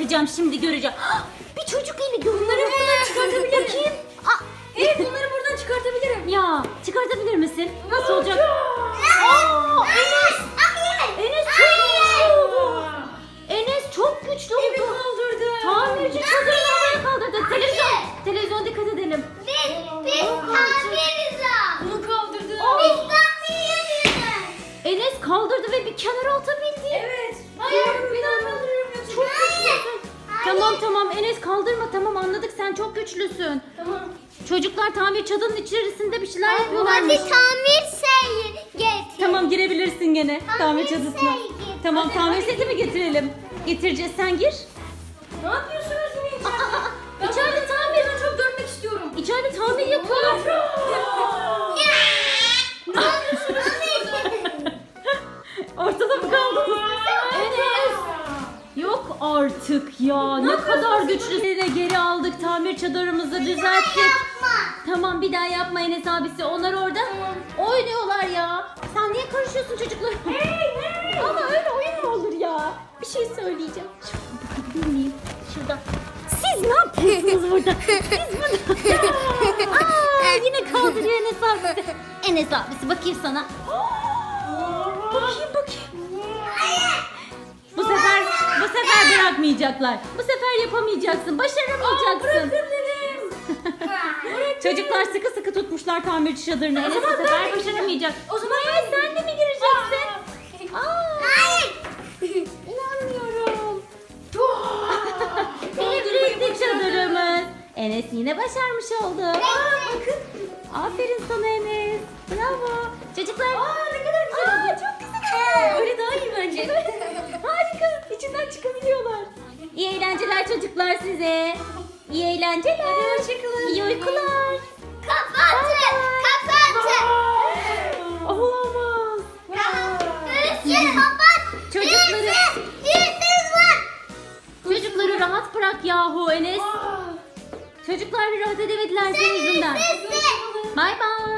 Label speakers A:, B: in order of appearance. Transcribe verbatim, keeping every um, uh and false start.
A: yapacağım şimdi göreceğim. Bir çocuk eli görüyorum. Bunları buradan çıkartabilir kim?
B: Evet, bunları buradan çıkartabilirim.
A: Ya çıkartabilir misin? Nasıl olacak? Aa, Enes! Enes çok güçlü oldu. Enes çok güçlü oldu.
B: Evi kaldırdı.
A: Tamirci çadırını havaya kaldırdı. Televizyon, televizyon dikkat edelim.
B: Bunu kaldırdı.
A: Enes kaldırdı ve bir kenara atabildi.
B: Evet. Hayır, bir daha kaldırıyorum yoksa.
A: Çok güçlüsün. Tamam tamam Enes kaldırma, tamam anladık, sen çok güçlüsün.
B: Tamam.
A: Çocuklar tamir çadırının içerisinde bir şeyler yapıyorlarmış.
C: Hadi tamir şeyi getir.
A: Tamam girebilirsin gene tamir çadırına.
C: seti getir.
A: Tamam tamir seti mi getirelim? Getireceğiz, sen gir.
B: Ne yapıyorsunuz yine içeride?
A: Aa,
B: Ben
A: içeride
B: bunu-
A: tamir.
B: Ben çok görmek istiyorum.
A: İçeride tamir yapıyorlar.
B: Ne yapıyorsunuz siz?
A: Ortada mı kaldınız? Enes. Yok artık ya. Ne kadar güçlü. Geri aldık, tamir çadırımızı düzelttik. Tamam bir daha yapma Enes abisi. Onlar orada oynuyorlar ya. Sen niye karışıyorsun çocuklar? Ama öyle oyun mu olur ya? Bir şey söyleyeceğim. Şuradan bakabilir miyim? Şurada. Siz ne yapıyorsunuz burada? Siz burada. Aa, yine kaldırıyor Enes abisi. Enes abisi bakayım sana. Bakayım bakayım. Bu sefer bu sefer bırakmayacaklar. Bu sefer yapamayacaksın. Başaramayacaksın.
B: dedim.
A: Çocuklar sıkı sıkı tutmuşlar tamirci çadırını. Enes bu sefer başaramayacak. O zaman Enes sen de mi gireceksin? Aa, inanmıyorum. Elektrikli çadırımız. Enes yine başarmış oldu.
B: Bakın.
A: Aferin sana Enes. Bravo. Çocuklar.
B: Aa, ne kadar güzel
A: Aa,
B: oldu.
A: çok güzel oldu.
B: Öyle daha iyi bence.
A: Harika. İçinden çıkabiliyorlar. İyi eğlenceler çocuklar size. İyi eğlenceler.
B: Hadi hoşçakalın.
A: İyi uykular.
C: Kapatın. Kapatın.
A: Olamaz.
C: Üstü kapat.
A: Çocukları,
C: Üstü var.
A: çocukları rahat bırak yahu Enes. Çocuklar bir rahat edemediler senin yüzünden.
C: Üstü.
A: Bay bay.